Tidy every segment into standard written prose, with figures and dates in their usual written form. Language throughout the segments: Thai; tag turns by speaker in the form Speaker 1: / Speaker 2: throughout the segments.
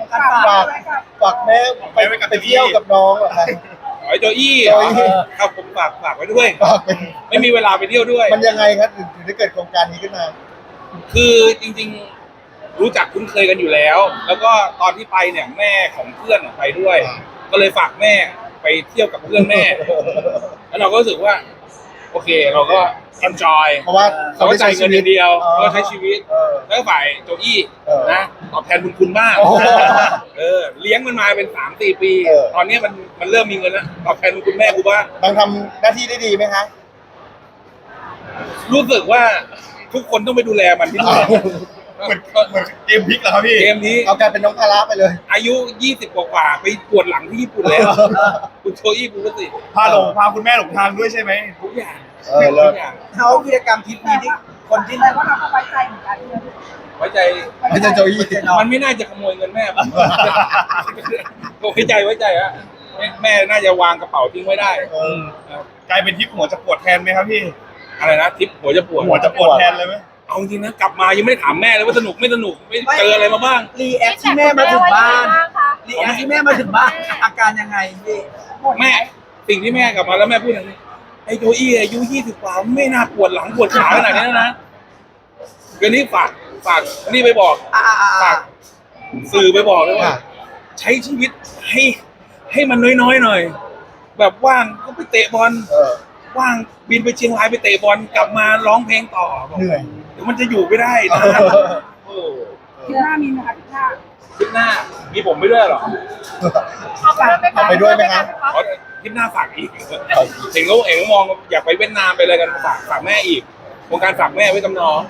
Speaker 1: ฝากแม่ไปเที่ยวกับน้องเหรอคะ
Speaker 2: ไอ้โจอี้เหรอครับผมฝากไว้ด้วยไม่มีเวลาไปเที่ยวด้วย
Speaker 1: มันยังไงครับถึงได้เกิดโครงการนี้ขึ้นมา
Speaker 2: คือจริงๆรู้จักคุ้นเคยกันอยู่แล้วแล้วก็ตอนที่ไปเนี่ยแม่ของเพื่อนไปด้วยก็เลยฝากแม่ไปเที่ยวกับเพื่อนแม่แล้วเราก็รู้สึกว่าโอเคเราก็ enjoy
Speaker 1: เพราะว่า
Speaker 2: เขาจ่ายเงินอย่างเดียวก็ใช้ชีวิตแล้วฝ่ายโจอี้นะตอบแทนบุญคุณมากเลี้ยงมันมาเป็น 3-4 ปีตอนนี้มันเริ่มมีเงินแล้วตอบแทนบุญคุณแม่กูบ้าง
Speaker 1: บางทำหน้าที่ได้ดีไหมคะ
Speaker 2: รู้สึกว่าทุกคนต้องไปดูแลมันที่นู่น
Speaker 3: เหมือนเกมพลิกเหรอครับพี่
Speaker 2: เกมนี้
Speaker 1: เอากลายเป็นน้องภาระไปเลย
Speaker 2: อายุ20 กว่าไปปวดหลังที่ญี่ปุ่นแล้วคุณโชอี้คุณสิ
Speaker 3: พาคุณแม่หลงทางด้วยใช่ไหม
Speaker 2: ทุกอย่าง
Speaker 1: ทุก
Speaker 2: อย่าง
Speaker 4: เขากิจกรรมทริปนี้ที่คนที่ไหนว่าเราก็ไว้ใจเหมือนกัน
Speaker 2: ไว้ใจ
Speaker 1: โจอี้
Speaker 2: มันไม่น่าจะขโมยเงินแม่ผมไว้ใจฮะแม่น่าจะวางกระเป๋าทิ้งไว้ได้
Speaker 3: กลายเป็นทริปหัวจะปวดแทนไหมครับพี่
Speaker 2: อะไรนะทริปหัวจะปวด
Speaker 3: แทนเลยไหม
Speaker 2: เอาจริงนะกลับมายังไม่ได้ถามแม่เลยว่าสนุกไม่สนุกไม่เจออะไรมาบ้าง
Speaker 4: รีแอคที่แม่มาถึงบ้านรีแอคที่แม่มาถึงบ้านอาการยังไงพี่
Speaker 2: แม่สิ่งที่แม่กลับมาแล้วแม่พูดอย่างนี้ไอ้โจอี้อายุ20 กว่าไม่น่าปวดหลังปวดขาขนาดนี้นะก็นี่ฝากนี่ไปบอกฝากสื่อไปบอกเลยว่าใช้ชีวิตให้มันน้อยๆหน่อยแบบว่างก็ไปเตะบอลว่างบินไปเชียงรายไปเตะบอลกลับมาร้องเพลงต่อ
Speaker 1: เหนื่อย
Speaker 2: เดี๋ยวมันจะอยู่ไม่ได้นะ
Speaker 5: คลิปหน้ามีไหมคะ
Speaker 2: คลิปหน้ามีผมไปด้วยหรอ
Speaker 1: เอาไปด้วยไหมครับ
Speaker 2: คลิปหน้าฝากอีกเห็นเขามองอยากไปเวียดนามไปอะไรกันฝากแม่อีกโครงการฝากแม่ไว้กับน้อง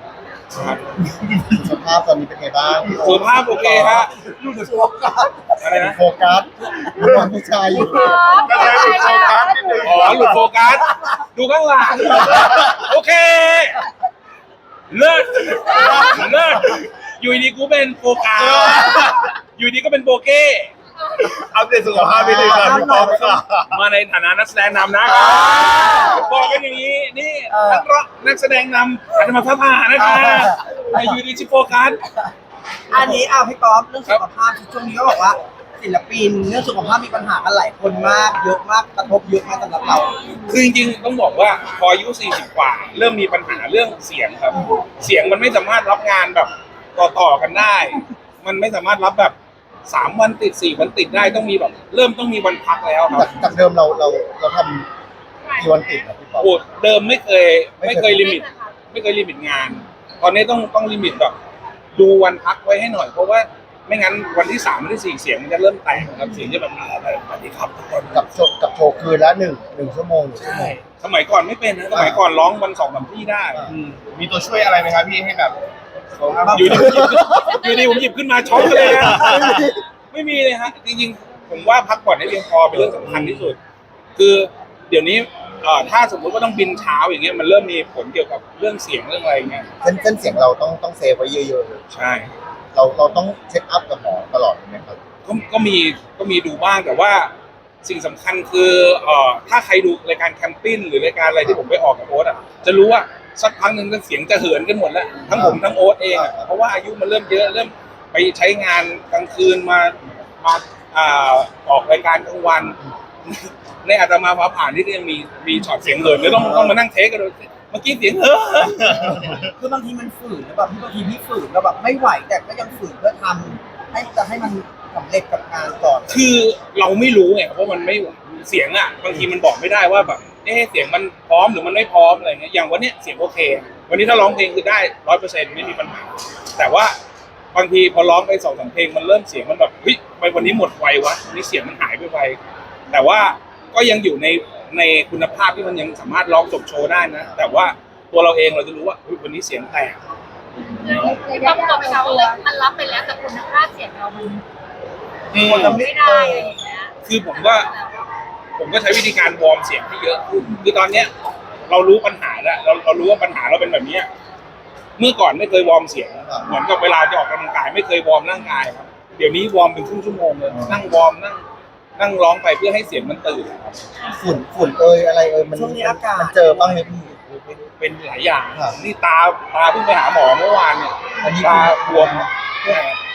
Speaker 1: สภาพตอนนี้เป็นไงบ้าง
Speaker 2: สุขภาพโอเคฮะอะไรนะ
Speaker 1: โฟกัสมองผู้ชายอยู่
Speaker 3: ก็เลยหลุดโฟกัสนิดนึง
Speaker 2: หลุดโฟกัสดูข้างหลังโอเคเลิศอยู่ดีกูเป็นโฟกัสอยู่ดีก็เป็นโบเก้
Speaker 3: อัปเดตสุขภาพไปเลยครับพี่ป๊อป
Speaker 2: มาในฐานะนักแสดงนำนะบอกกันอย่างนี้นี่นักแสดงนำอาจจะมาพัฒนานะคะอยู่ดีชิโฟกัส
Speaker 4: อันนี้พี่ป๊อปเรื่องสุขภาพช่วงนี้ก็บอกว่าศิลปินเรื่องสุขภาพมีปัญหากันหลายคนมากเยอะมากกระทบเยอะมากสำหรับเรา
Speaker 2: คือจริงๆต้องบอกว่าพออายุ40 กว่าเริ่มมีปัญหาเรื่องเสียงครับเสียงมันไม่สามารถรับงานแบบต่อกันได้มันไม่สามารถรับแบบ3 วันติด4 วันติดได้ต้องมีแบบเริ่มต้องมีวันพักแล้วครับ
Speaker 1: จากเดิมเราทำกี่วันติดนะพี่ป๊อป
Speaker 2: เดิมไม่เคยลิมิตงานตอนนี้ต้องลิมิตแบบดูวันพักไว้ให้หน่อยเพราะว่าไม่งั้นวันที่3 วันที่ 4เสียงมันจะเริ่มแตกครับเสียงจะแบบอะไรสวัสดีครับทุกคน
Speaker 1: กับโชว์คืนละ1 ชั่วโมง
Speaker 2: ใช่สมัยก่อนไม่เป็นนะสมัยก่อนร้องวัน2-3 ที่ได้
Speaker 3: มีตัวช่วยอะไรไหมครับพี่ให้แบบ
Speaker 2: อยู่ดีผมหยิบขึ้นมาช็อกเลยนะไม่มีเลยฮะจริงๆผมว่าพักผ่อนให้เพียงพอเป็นเรื่องสำคัญที่สุดคือเดี๋ยวนี้ถ้าสมมุติว่าต้องบินเช้าอย่างเงี้ยมันเริ่มมีผลเกี่ยวกับเรื่องเสียงเรื่องอะไรเงี้ย
Speaker 1: เส้นเสียงเราต้องเซฟไว้เยอะๆ
Speaker 2: ใช่
Speaker 1: เราต้องเช็คอัพกับหมอตลอดไหมครับ
Speaker 2: ก็มีดูบ้างแต่ว่าสิ่งสำคัญคือถ้าใครดูรายการแคมปิ้งหรือรายการอะไรที่ผมไปออกกับโอ๊ตจะรู้ว่าสักพักหนึ่งเสียงจะเหินกันหมดแล้วทั้งผมทั้งโอ๊ตเองเพราะว่าอายุมันเริ่มเยอะเริ่มไปใช้งานกลางคืนมาออกรายการกลางวันในอาตมาฟ้าผ่านที่ก็ยังมีช็อตเสียงเหินแล้วต้องมานั่งเทคกันเลยเมื่อกี้เสียง
Speaker 4: คือบางทีมันฝืนแล้วแบบบางทีพี่ฝืนแล้วแบบไม่ไหวแต่ก็ยังฝืนเพื่อทำให้มันสำเร็จกับงานก่อน
Speaker 2: คือเราไม่รู้ไงเพราะมันไม่เสียงบางทีมันบอกไม่ได้ว่าแบบเสียงมันพร้อมหรือมันไม่พร้อมอะไรเงี้ยอย่างวันนี้เสียงโอเควันนี้ถ้าร้องเพลงคือได้ 100% ไม่มีปัญหาแต่ว่าบางทีพอร้องไป2-3 เพลงมันเริ่มเสียงมันแบบเฮ้ยไปวันนี้หมดไววะวันนี้เสียงมันหายไปไวแต่ว่าก็ยังอยู่ในคุณภาพที่มันยังสามารถร้องจบโชว์ได้นะแต่ว่าตัวเราเองเราจะรู้ว่าวันนี้เสียงแตก
Speaker 5: ต้องบอกไปว่ามันรับไปแล้วแต่คุณภาพเสียงเรามันไม่ได้อะไรอย่างเงี้ย
Speaker 2: คือผมก็ใช้วิธีการวอร์มเสียงที่เยอะคือตอนเนี้ยเรารู้ปัญหาแล้วเรารู้ว่าปัญหาเราเป็นแบบนี้เมื่อก่อนไม่เคยวอร์มเสียงเหมือนกับเวลาจะออกกำลังกายไม่เคยวอร์มร่างกายครับเดี๋ยวนี้วอร์มเป็นครึ่งชั่วโมงเลยนั่งวอร์มนั่งร้องไปเพื่อให้เสียงมันตื่น
Speaker 1: ฝุ่นอะไรมัน
Speaker 4: ช่วงนี้อากาศ
Speaker 1: มันเจอบ้างไหมพี่
Speaker 2: เป็นหลายอย่างนี่ตาเพิ่งไปหาหมอเมื่อวานเนี่ยตาบวม
Speaker 4: ถ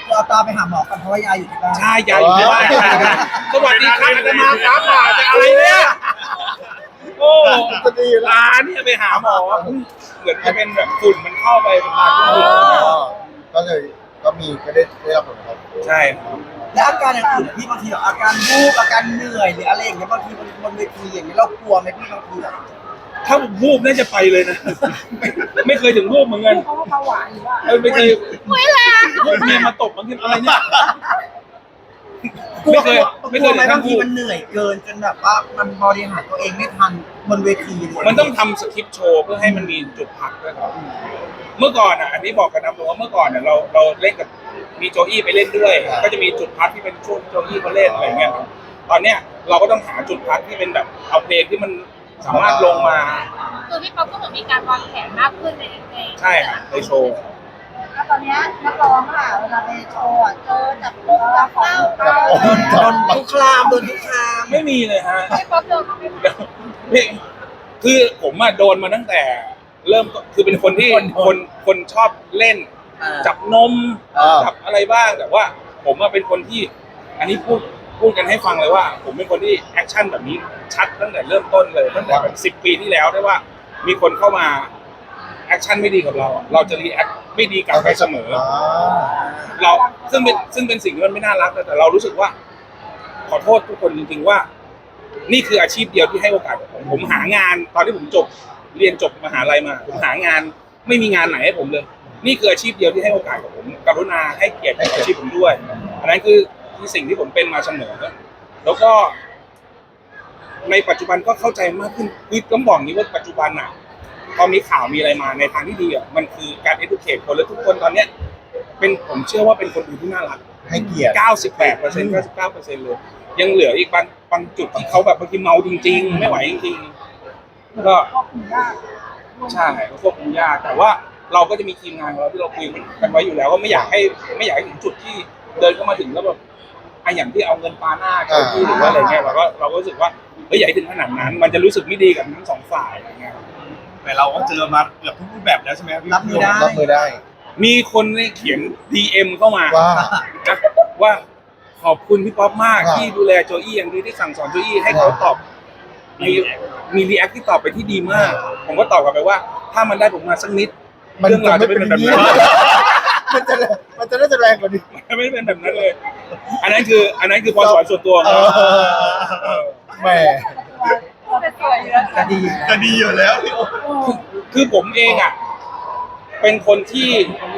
Speaker 4: เอาตาไปหาหมอกันเพราะว่ายายอยู่ที่บ้าน
Speaker 2: ใช่ยายอยู่ที่บ้านสวัสดีครับอาตมาฟ้าผ่าจะอะไรเนี่ยโอ้
Speaker 1: จะดีอยู่แล้ว
Speaker 2: ตาเนี่ยไปหาหมอเหมือนจะเป็นแบบฝุ่นมันเข้าไปเป็นตาฝุ่น
Speaker 1: ก็เลยก็ได้รับผลกระทบ
Speaker 2: ใช่ครับ
Speaker 4: และอาการอย่างอื่นพี่บางทีแบบอาการวูบอาการเหนื่อยหรืออะไรอย่างเงี้ยบางทีบนเวทีอย่างเงี้ยเรากลัวไหมพี่บางทีแบบ
Speaker 2: ถ้าวูบน่าจะไปเลยนะ ไม่เคยถึงวูบเหมือนกัน
Speaker 5: เพราะว่าเบาหวานหรือว่า
Speaker 2: ไม่เคย
Speaker 5: ไม่แรง
Speaker 2: เมียมาตบมันขึ้นอะไรเนี่ย
Speaker 4: กลัว
Speaker 2: ไม่เคย
Speaker 4: ไหม
Speaker 2: ถึงขั้
Speaker 4: บาน งที
Speaker 2: วูบ
Speaker 4: มันเหนื่อยเกินจนแบบว่ามันบริหารตัวเองไม่ทันบนเวทีเลย
Speaker 2: มันต้องทำสคริปต์โชว์เพื่อให้มันมีจุดพักด้วยครับเมื่อก่อนอ่ะอันนี้บอกกันนะผมว่าเมื่อก่อนเนี่ยเราเล่นกับมีโจอี้ไปเล่นด้วย ก็จะมีจุดพักที่เป็นช่วงโจอี้เขาเล่นอะไรเงี้ยครับตอนเนี้ยเราก็ต้องหาจุดพักที่เป็นแบบเอาเพลงที่มันสามารถลงมา
Speaker 5: คือพี่ป๊อปก็เหมือนมีการวางแผนมากขึ้นใน
Speaker 2: ใช่ครับในโชว์
Speaker 5: แล้วตอนนี้นักร้องค่ะเวลาไปโชว์เจอจับปุ๊บจับเป้า
Speaker 4: โดนทุกครามโดนทุกคราม
Speaker 2: ไม่มีเลยฮะ
Speaker 5: พี่ป๊อปโดนเขาไม่
Speaker 2: นี่คือผมอะโดนมาตั้งแต่เริ่มคือเป็นคนที่คนชอบเล่น จับนมจับอะไรบ้างแต่ว่าผมอะเป็นคนที่อันนี้พูดกันให้ฟังเลยว่า ผมเป็นคนที่แอคชั่นแบบนี้ชัดตั้งแต่เริ่มต้นเลยตั้งแต่เป็น10 ปีที่แล้วได้ว่า มีคนเข้ามาแอคชั่นไม่ดีกับเราอะเราจะรีแอคไม่ดีกลับไปเสมอ เราซึ่งเป็นสิ่งที่มันไม่น่ารักแต่เรารู้สึกว่า ขอโทษทุกคนจริงๆว่า นี่คืออาชีพเดียวที่ให้โอกาสกับผมหางานตอนที่ผมเรียนจบมหาลัยมาผมหางานไม่มีงานไหนให้ผมเลย นี่คืออาชีพเดียวที่ให้โอกาสกับผมกรุณาให้เกียรติกับอาชีพผมด้วยอันนั้นคือสิ่งที่ผมเป็นมาเสมอแล้วก็ ในปัจจุบันก็เข้าใจมากขึ้นคือต้องบอกนี้ว่าปัจจุบันอ่ะพอมีข่าวมีอะไรมาในทางที่ดีอ่ะมันคือการ educate คนและทุกคนตอนเนี้ยเป็นผมเชื่อว่าเป็นคนดูที่น่ารัก
Speaker 1: ให้เกียรติ
Speaker 2: 98% 99%เลยยังเหลืออีกบางจุดที่เขาแบบบางทีเมาจริงๆไม่ไหวจริงๆก็ใช่ควบคุมยากแต่ว่าเราก็จะมีทีมงานของเราที่เราคุยกันไว้อยู่แล้วว่าไม่อยากให้ถึงจุดที่เดินเข้ามาถึงแล้วแบบอย่างที่เอาเงินปาหน้าเจ้าที่หรือว่าอะไรเงี้ยเราก็รู้สึกว่าอย่าให้ถึงขนาดนั้น มันจะรู้สึกไม่ดีกับทั้งสองฝ่ายอะไรเงี้ย
Speaker 3: แต่เราก็เจอมาเกือบทุกรูปแบบแล้วใช่ไหมครับพี่
Speaker 4: รับมือได้
Speaker 1: รับมือได้
Speaker 2: มีคนเนี่ยเขียน DM เข้ามา
Speaker 1: ว่า
Speaker 2: นะว่าขอบคุณพี่ป๊อปมาก
Speaker 1: ว่า
Speaker 2: ที่ดูแลโจอี้อย่างดีที่สั่งสอนโจอี้ให้เขาตอบมีรีแอคที่ตอบไปที่ดีมาก ผมก็ตอบกลับไปว่า ถ้ามันได้ผมมาสักนิด เรื่องราวจะไม่เป็นแบบนั้น
Speaker 1: มันจะน่าจะแรงกว่านี้
Speaker 2: มันไม่เป็นแบบนั้นเลย อันนั้นคือพรสวรรค์ส่วนตัวของ
Speaker 1: เอ
Speaker 2: เรา
Speaker 1: แหม
Speaker 5: เป็นสวยเยอะ
Speaker 4: จะดี
Speaker 3: จะดีอยู่แล้วพี่
Speaker 2: คือผมเองอ่ะเป็นคนที่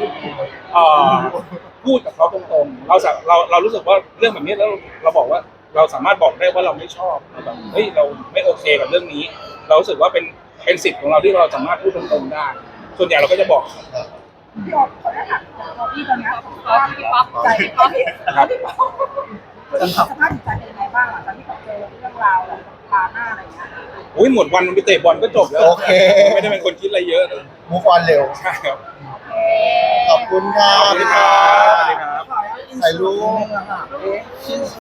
Speaker 2: พูดกับเขาตรงๆเรารู้สึกว่าเรื่องแบบนี้แล้วเราบอกว่าเราสามารถบอกได้ว่าเราไม่ชอบแบบเฮ้ยเราไม่โอเคกับเรื่องนี้ เรารู้สึกว่าเป็นสิทธิ์ของเราที่เราสามารถพูดตรงๆได้ ส่วนใหญ่เราก็จะบอก
Speaker 5: พี่ป๊อปเขาได้ถามตัวพี่ตอนนี้พี่ป๊อปใจพี่ป๊อป
Speaker 2: ครับ
Speaker 5: สภาพจิตใจเป็นยังไงบ้างหลังจากที่เขาเจอเรื่องราวแบบพาหน้าอะไรอย่างเงี้ย
Speaker 2: อุ้ยหมดวันมันไปเตะบอลก็จบแล้ว
Speaker 1: โอเค
Speaker 2: ไม่ได้เป็นคนคิดอะไรเยอะเลย
Speaker 1: มูฟออนเร็ว
Speaker 2: ใช่ครับ
Speaker 1: ขอบคุณครั
Speaker 2: ข
Speaker 1: บ
Speaker 2: อบคุณครับสวัสดีครับ
Speaker 1: ถ่ายรูป
Speaker 4: ป